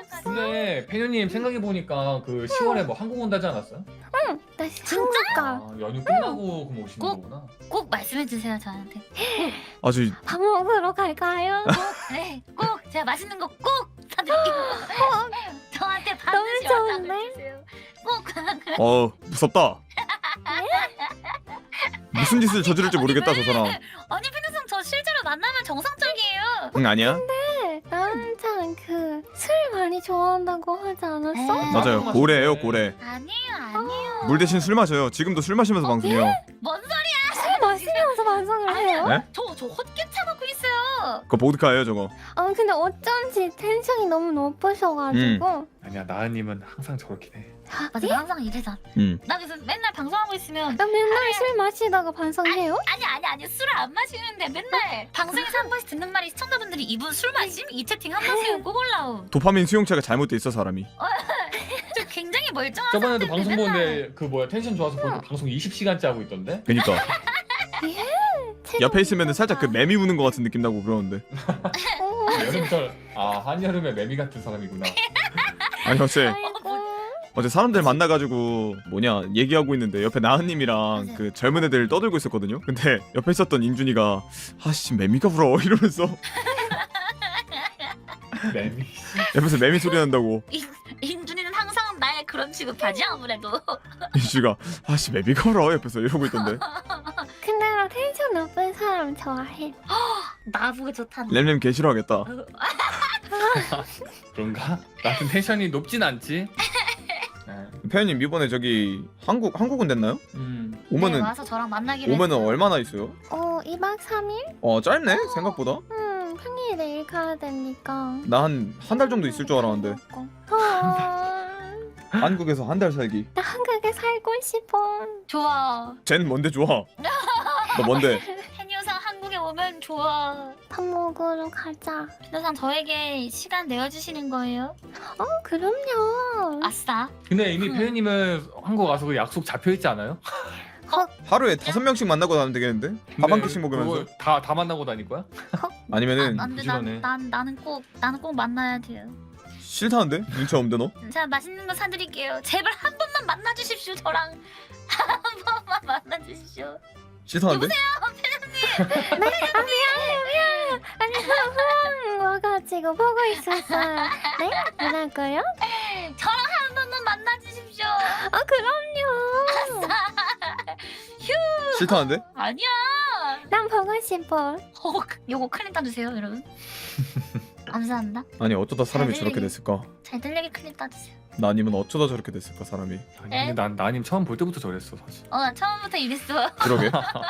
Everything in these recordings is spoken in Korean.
근데 페뉴님 생각해보니까 그 10월에 뭐 한국 온다지 않았어요? 응, 나 한국 가. 아, 연휴 끝나고 그럼 오시는 꼭? 거구나. 꼭 말씀해주세요 저한테. 아주 밥 먹으러 갈까요? 네, 꼭 제가 맛있는 거 꼭 사드릴게요. 저한테 너무 반드시 좋은데? 연락을 주세요. 꼭. 무섭다. 무슨 짓을 저지를지 모르겠다 저 사람. 아니 페누상 저 실제로 만나면 정상적이에요. 응 아니야? 네, 나 항상 그 술 많이 좋아한다고 하지 않았어? 에이. 맞아요. 고래예요 고래. 아니에요. 물 대신 술 마셔요. 지금도 술 마시면서 방송해요. 뭔 소리야? 술 마시면서 방송을 해요? 네? 저 헛개 차먹고 있어요. 그거 보드카예요 저거. 근데 어쩐지 텐션이 너무 높으셔가지고. 아니야, 나은님은 항상 저렇게 해. 맞아, 나 항상 이래잖아. 나 그래서 맨날 방송하고 있으면 나 맨날 술 마시다가 방송해요? 아니 술을 안 마시는데 맨날 방송에서 한 번씩 듣는 말이 시청자분들이 이분 술 마심? 이 채팅 한 번씩은 꼭 올라옴. 도파민 수용체가 잘못돼 있어 사람이. 저 굉장히 멀쩡한 저번에도 상태인데 방송 맨날 보는데 그 뭐야 텐션 좋아서 보니까 방송 20시간째 하고 있던데? 그니까 책 옆에 있으면 살짝 그 매미 우는 것 같은 느낌 나고 그러는데. 어, 여름철 한여름에 매미 같은 사람이구나. 아니 아이고. 어제 사람들 만나가지고 얘기하고 있는데 옆에 나은님이랑 그 젊은 애들 떠들고 있었거든요. 근데 옆에 있었던 인준이가 아씨 매미가 불어 이러면서 매미. 옆에서 매미 소리 난다고. 인준이는 항상 나의 그런 취급하지 아무래도. 인준이가 아씨 매미가 불어 옆에서 이러고 있던데. 근데 나 텐션 높은 사람 좋아해. 나보고 좋다는. 램램 개 싫어하겠다. 그런가? 나는 텐션이 높진 않지. 패현님 이번에 저기 한국은 됐나요? 네, 오면은 와서 저랑 만나기로 오면은 했어요. 얼마나 있어요? 2박 3일? 짧네 생각보다. 평일 내일 가야 되니까. 나 한 달 정도 있을 줄 알았는데. 한국에서 한 달 살기. 나 한국에 살고 싶어. 좋아. 쟨 뭔데 좋아? 너 뭔데? 해녀상 한국에 오면 좋아. 밥 먹으러 가자. 해녀상 저에게 시간 내어주시는 거예요? 그럼요. 아싸. 근데 이미 페뉴님은 한국 와서 그 약속 잡혀 있지 않아요? 하루에 5명씩 만나고 다니면 되겠는데? 밥 한 끼씩 먹으면서? 다 만나고 다닐 거야? 아니면은 안돼 부지런해. 나는 꼭 만나야 돼요. 싫다는데? 눈치 없는데 너? 제가 맛있는 거 사드릴게요. 제발 한 번만 만나주십시오. 저랑 한 번만 만나주십시오. 싫다는데? 아니 후원 와가지고 보고 있었어요. 네? 뭐라고요? 저랑 한 번만 만나주십시오. 그럼요. 싫다는데? 아니야. 난 보고 싶어. 요거 클릭 따주세요, 여러분. 감사합니다. 아니 어쩌다 사람이 잘 저렇게 들리게. 됐을까? 잘 들리게 클릭 따주세요. 나 아니면 어쩌다 저렇게 됐을까 사람이. 아니 근데 난 나님 처음 볼 때부터 저랬어 사실. 나 처음부터 이랬어. 그러게.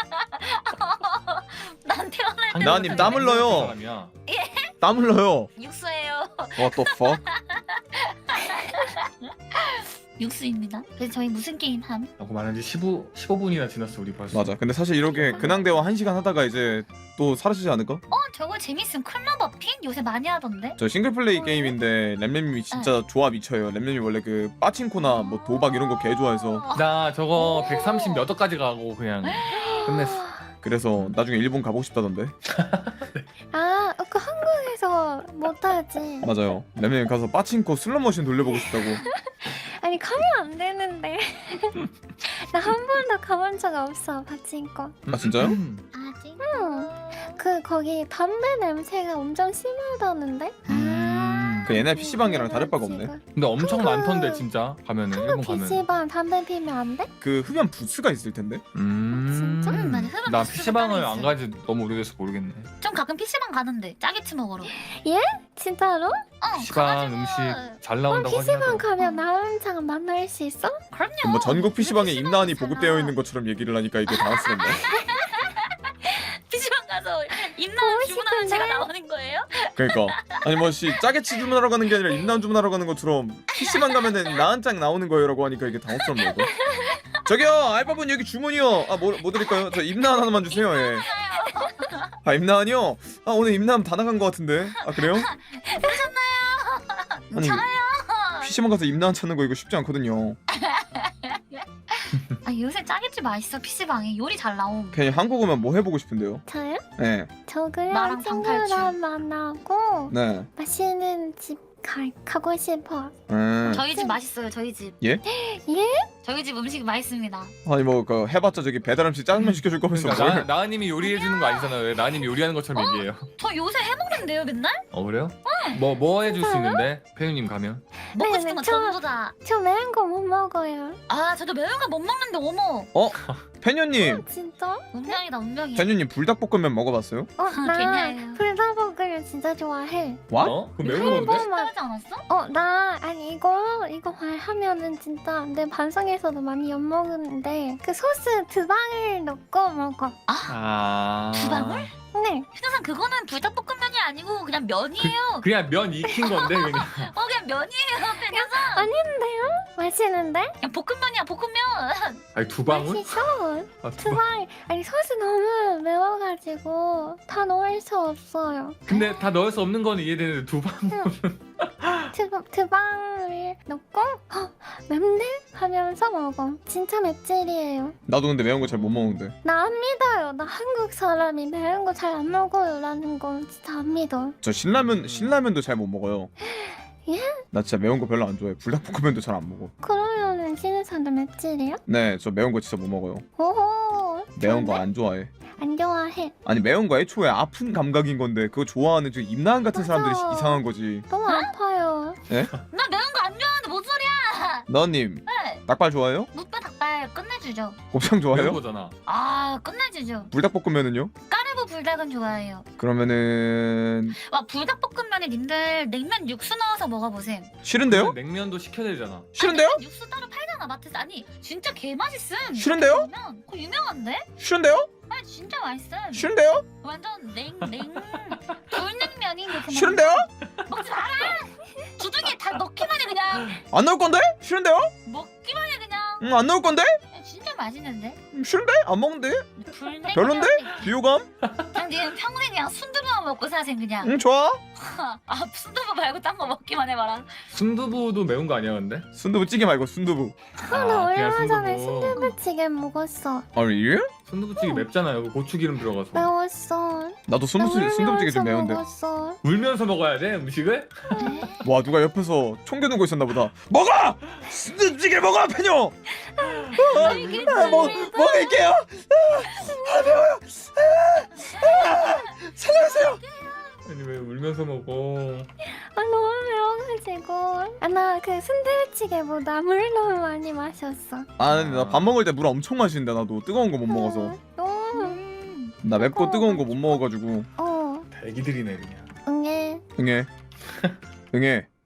난 태어날 때 나님 땀 흘러요. 사람이야. 땀 흘러요. 육수예요. What the fuck? 육수입니다. 그래서 저희 무슨 게임 함? 라고 말한 지 15분이나 지났어 우리 벌써. 맞아. 근데 사실 이렇게 근황 대화 1시간 하다가 이제 또 사라지지 않을까? 저거 재밌음. 클럽어핀? 요새 많이 하던데? 저 싱글 플레이 게임인데 램램님이 진짜 조합 미쳐요. 램램이 원래 그 빠친코나 뭐 도박 이런 거 개 좋아해서 나 저거 130 몇 억까지 가고 그냥 끝냈어. 그래서 나중에 일본 가보고 싶다던데. 그 한국에서 못하지. 맞아요. 램램이 가서 빠친코 슬롯머신 돌려보고 싶다고. 아니 가면 안 되는데. 나 한 번도 가본 적 없어 파친코. 아 진짜요? 아직? 거기 담배 냄새가 엄청 심하다는데. 그 옛날 PC방이랑 다를 바가 없네. 근데 엄청 많던데 진짜 가면은 일본 가면. PC방 담배 피면 안 돼? 그 흡연 부스가 있을 텐데. 진짜? 맞아. 흡연 나 부스가 PC방을 따로 안 있어요. 가지 너무 오래돼서 모르겠네. 좀 가끔 PC방 가는데 짜게치 먹으러. 진짜로? PC방 가가지고. 음식 잘 나온다고 PC방 하더라고. 가면 나은장 만날 수 있어? 그럼요. 뭐 전국 PC방에 PC방 임나한이 있잖아. 보급되어 있는 것처럼 얘기를 하니까 이게 당황스럽네. PC방 가서 보고 임나은 주문하면 싶은데? 제가 나오는 거예요? 그러니까 아니 뭐씨 짜게치 주문하러 가는 게 아니라 임나한 주문하러 가는 것처럼 PC방 가면은 나한짱 나오는 거예요라고 하니까 이게 당황스럽네 이거. 저기요 알바분 여기 주문이요. 뭐 드릴까요? 저 임나한 하나만 주세요. 예. 임나한이요? 오늘 임나한 다 나간 것 같은데. 그래요? 아니 PC방 가서 임나한 찾는 거 이거 쉽지 않거든요. 요새 짜게치 맛있어. PC방에 요리 잘 나옴. 괜히 한국 오면 뭐 해보고 싶은데요? 저요? 네. 저 그냥 나랑 방탈출. 친구랑 만나고 네. 맛있는 집 가고 싶어. 저희 집 맛있어요. 저희 집. 예? 예? 저희 집 음식 맛있습니다. 아니 뭐 그 해봤자 저기 배달 음식 짜장면 시켜줄 거면서 그러니까 뭘? 나은님이 요리해 주는 거 아니잖아요. 왜 나은님이 요리하는 것처럼 얘기해요. 저 요새 해먹는데요 맨날? 그래요? 뭐 해줄 수 있는데 페유님 가면? 먹고 네, 싶은 거 저- 전부 다. 저 매운 거 못 먹어요. 아 저도 매운 거 못 먹는데 어머. 페뉴님, 진짜? 운명이다 운명이야. 페뉴님 불닭볶음면 먹어봤어요? 나 괜찮아요. 불닭볶음면 진짜 좋아해. 와? 그 매운 건데? 따르지 않았어? 나 아니 이거 말하면은 진짜 내 반성에서도 많이 엿 먹는데 그 소스 2방울 넣고 먹어. 아. 두 방울? 네. 신호상 그거는 불닭볶음면이 아니고 그냥 면이에요. 그냥 면 익힌 건데 그냥. 그냥 면이에요. 그냥 아닌데요? 맛있는데? 그냥 볶음면이야 볶음면. 아니 2방울? 맛있어. 아, 2방울. 아니 소스 너무 매워가지고 다 넣을 수 없어요. 근데 다 넣을 수 없는 건 이해되는데 2방울. 2방울 넣고 맵네? 하면서 먹어. 진짜 맵찔이에요. 나도 근데 매운 거 잘 못 먹는데. 나 안 믿어요. 나 한국 사람이 매운 거 잘 안 먹어요 라는 거 진짜 안 믿어. 저 신라면도 잘 못 먹어요. 예? 나 진짜 매운 거 별로 안 좋아해. 불닭볶음면도 잘 안 먹어. 그러면은 신우산도 맵찔이야? 네, 저 매운 거 진짜 못 먹어요. 오호. 매운 거 좋은데? 안 좋아해. 안 좋아해. 아니 매운 거 애초에 아픈 감각인 건데 그거 좋아하는 저 임나은 같은 맞아. 사람들이 이상한 거지. 너무 아파요. 나 매운 거 안 좋아하는데 뭔 소리야? 너님 네. 닭발 좋아해요? 무뼈 닭발 끝내주죠. 곱창 매운 좋아해요? 거잖아. 아 끝내주죠. 불닭볶음면은요? 까르보 불닭은 좋아해요. 그러면은 와 불닭볶음면에 님들 냉면 육수 넣어서 먹어보셈. 싫은데요? 냉면도 시켜야 되잖아. 싫은데요? 냉면 육수 따로 팔잖아 마트에서. 아니 진짜 개 맛있음. 싫은데요? 그러면 그거 유명한데? 싫은데요? 아니 진짜 맛있음. 싫은데요? 완전 불냉면인 게 그냥 싫은데요? 먹지 마라. 주둥이에 다 넣기만 해 그냥. 안 넣을 건데? 싫은데요? 먹기만 해 그냥. 안 넣을 건데? 진짜 맛있는데? 싫은데? 안 먹는데? 불냉면. 별론데? 비호감? 그냥 니는 평생 그냥 순두부만 먹고 사셈 그냥. 좋아. 아 순두부 말고 딴 거 먹기만 해봐라. 순두부도 매운 거 아니야 근데? 순두부찌개 말고 순두부. 나 그냥 얼마 전에 순두부. 순두부찌개 먹었어. 아니 예? 순두부찌개 맵잖아요. 그 고추기름 들어가서. 매웠어. 나도 순두부찌개 좀 매운데. 먹었어. 울면서 먹어야 돼 음식을? 와 누가 옆에서 총겨 두고 있었나 보다. 먹어! 순두부찌개 먹어 페뇨! 먹을게요. 매워요. 살려주세요. 아니 왜 울면서 먹어? 너무 매워가지고. 나 그 순두부찌개보다 물 너무 많이 마셨어. 아 근데 나 밥 먹을 때 물 엄청 마시는데 나도 뜨거운 거 못 먹어서. 너무. 나 맵고 뜨거운 거 못 먹어가지고. 어. 대기들이네 그냥. 응애. 응애. 응애.